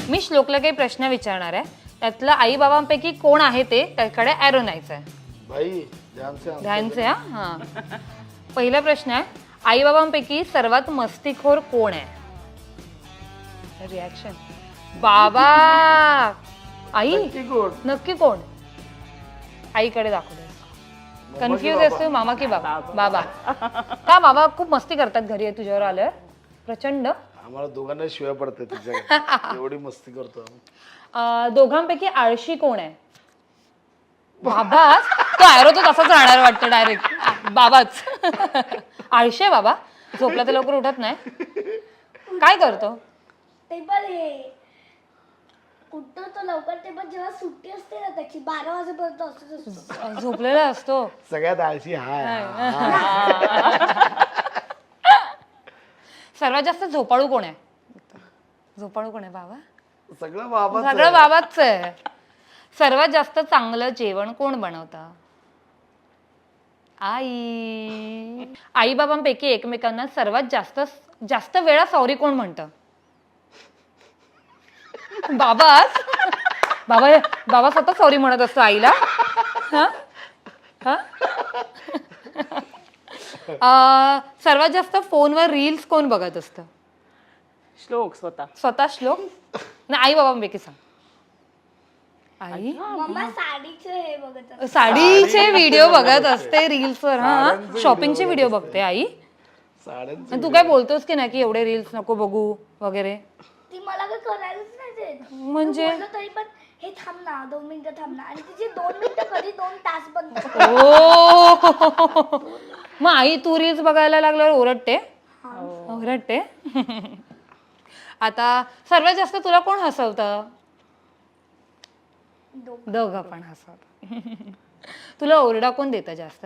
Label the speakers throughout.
Speaker 1: मी श्लोकला काही प्रश्न विचारणार आहे, त्यातलं आई बाबांपैकी कोण आहे ते त्याकडे ॲरो न्यायचं आहे.
Speaker 2: भाई ध्यान से
Speaker 1: हा. पहिला प्रश्न आहे, आई बाबांपैकी सर्वात मस्तीखोर कोण आहे? रिॲक्शन. बाबा. आई नक्की कोण? आईकडे दाखवलं. कन्फ्युज असतो मामा की बाबा? बाबा. का बाबा खूप मस्ती करतात घरी तुझ्यावर आल्यावर प्रचंड?
Speaker 2: आम्हाला दोघांना शिवाय पडते तुझ्या एवढी मस्ती करतो आम्ही.
Speaker 1: दोघांपैकी आळशी कोण आहे? बाबाच. तो ॲरो तो तसाच राहणार वाटतं डायरेक्ट. बाबाच. आळशी आहे बाबा, झोपला तर लवकर उठत नाही. काय करतो?
Speaker 3: ते पण हे उठतो तो लवकर, ते पण जेव्हा सुट्टी असते ना त्याची 12 वाजेपर्यंत असतो.
Speaker 1: झोपलेला असतो.
Speaker 2: सगळ्यात आळशी हाय.
Speaker 1: सर्वात जास्त झोपाळू कोण आहे? झोपाळू कोण आहे? बाबा.
Speaker 2: सगळं बाबा.
Speaker 1: सगळं बाबाच आहे. सर्वात जास्त चांगलं जेवण कोण बनवतं? आई. आई बाबांपैकी एकमेकांना सर्वात जास्त वेळा सॉरी कोण म्हणतं? बाबाच. बाबा स्वतः सॉरी म्हणत असतो आईला. सर्वात जास्त फोनवर रील्स कोण बघत असतं?
Speaker 4: श्लोक स्वतः.
Speaker 1: स्वतः श्लोक? नाही, आई बाबांपैकी सांग. आई
Speaker 3: मम्मा साडीचे हे बघत असते.
Speaker 1: साडीचे व्हिडिओ बघत असते रील्सवर. हा, शॉपिंगचे व्हिडिओ बघते आई.
Speaker 2: साड्यांचे
Speaker 1: तू काय बोलतोस की नाही की एवढे रील्स नको बघू वगैरे?
Speaker 3: ती मला काय करायलाच नाही देत.
Speaker 1: म्हणजे
Speaker 3: बोललो तरी पण हे थांब ना 2 मिनिटं थांब ना, आणि तिचे 2 मिनिटं कधी 2 तास पण.
Speaker 1: ओ. मग आई तू रील्स बघायला लागल्यावर ओरडते? ओरडते. आता सर्वात जास्त तुला कोण हसवतं? दोघं पण हसवत. तुला ओरडा कोण देतं जास्त?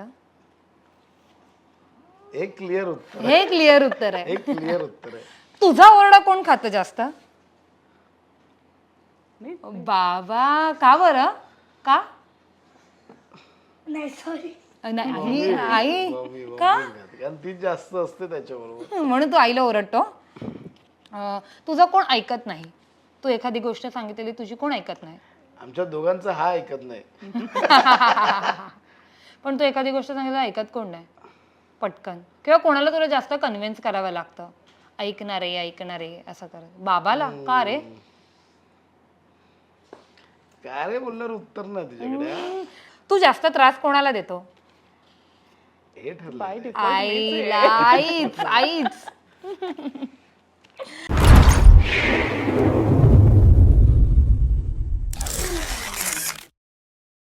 Speaker 2: एक क्लिअर उत्तर.
Speaker 1: हे क्लिअर उत्तर आहे.
Speaker 2: एक क्लिअर उत्तर आहे.
Speaker 1: तुझा ओरडा कोण खातं जास्त? बाबा. का बरं? का?
Speaker 3: नाही सॉरी.
Speaker 1: नाही आई का?
Speaker 2: कारण ती जास्त असते त्याच्याबरोबर.
Speaker 1: म्हणून तू आईला ओरडतो. तुझं कोण ऐकत नाही? तू एखादी गोष्ट सांगितलेली तुझी कोण ऐकत नाही?
Speaker 2: आमच्या दोघांचं हा ऐकत नाही.
Speaker 1: पण तू एखादी गोष्ट सांगितलं ऐकत कोण नाही पटकन? किंवा कोणाला तुला जास्त कन्व्हिन्स करावं लागतं? ऐकणारे असं कर. बाबाला का रे?
Speaker 2: काय रे बोलल्यावर उत्तर नाही तुझ्याकडे.
Speaker 1: तू जास्त त्रास कोणाला देतो?
Speaker 2: हे ठरलं.
Speaker 1: आईला. आईच.